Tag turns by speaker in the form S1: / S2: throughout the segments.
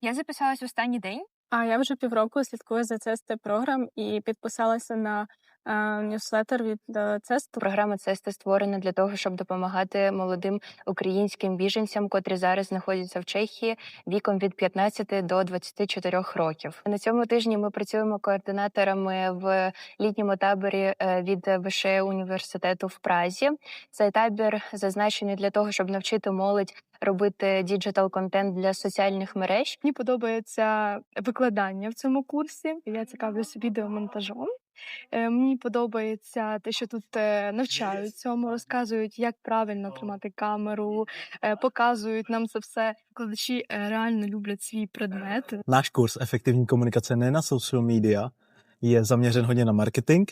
S1: Я записалась в останній день.
S2: А я вже півроку слідкую за CST програм і підписалася на ньюслеттер від CST.
S1: Програма CST створена для того, щоб допомагати молодим українським біженцям, котрі зараз знаходяться в Чехії віком від 15 до 24 років. На цьому тижні ми працюємо координаторами в літньому таборі від ВШЕ університету в Празі. Цей табір зазначений для того, щоб навчити молодь робити діджитал-контент для соціальних мереж.
S2: Мені подобається викладання в цьому курсі. Я цікавлюся відеомонтажом. Мені подобається те, що тут навчають цьому, розказують, як правильно тримати камеру, показують нам це все. Викладачі реально люблять свій предмет.
S3: Náš kurz Efektivní komunikace ne na social media je zaměřen hodně na marketing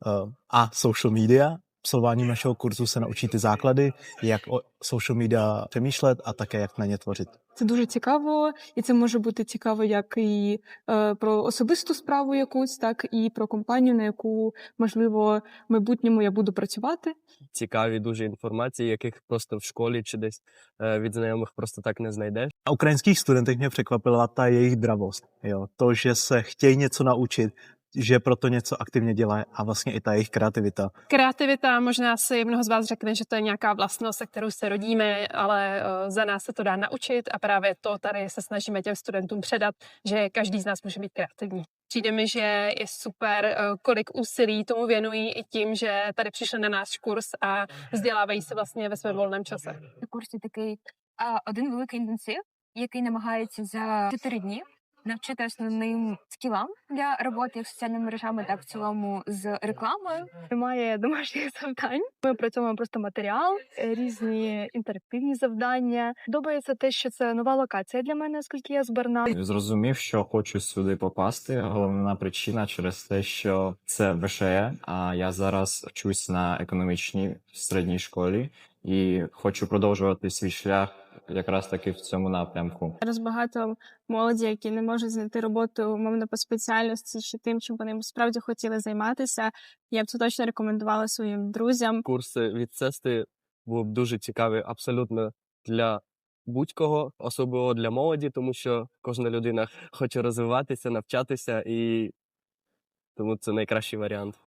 S3: a social media. Absolvováním našeho kurzu se naučí ty základy, jak o social media přemýšlet a také jak na ně tvořit.
S2: Це дуже цікаво, і це може бути цікаво як і про особисту справу якусь, так і про компанію, на яку, можливо, в майбутньому я буду працювати.
S4: Цікаві дуже інформації, яких просто в школі чи десь від знайомих просто так не знайдеш.
S3: Na ukrajinských studentech mě překvapila ta jejich dravost. Jo? To, že se chtějí něco naučit, že proto něco aktivně dělají a vlastně i ta jejich kreativita.
S5: Kreativita, možná si mnoho z vás řekne, že to je nějaká vlastnost, se kterou se rodíme, ale za nás se to dá naučit a právě to tady se snažíme těm studentům předat, že každý z nás může být kreativní. Přijde mi, že je super, kolik úsilí tomu věnují i tím, že tady přišli na náš kurz a vzdělávají se vlastně ve svém volném čase.
S1: На курсі такий один великий інтенсив, який намагається за 4 дні навчити основним скілам для роботи як з соціальними мережами, так в цілому з рекламою.
S2: Немає домашніх завдань. Ми працюємо просто матеріал, різні інтерактивні завдання. Подобається те, що це нова локація для мене, оскільки я з Берна.
S6: Зрозумів, що хочу сюди попасти. Головна причина через те, що це ВШЕ, а я зараз вчусь на економічній середній школі і хочу продовжувати свій шлях якраз таки в цьому напрямку.
S2: Зараз багато молоді, які не можуть знайти роботу умовно по спеціальності чи тим, чим вони справді хотіли займатися. Я б це точно рекомендувала своїм друзям.
S4: Курси від CST були б дуже цікаві абсолютно для будь-кого, особливо для молоді, тому що кожна людина хоче розвиватися, навчатися, і тому це найкращий варіант.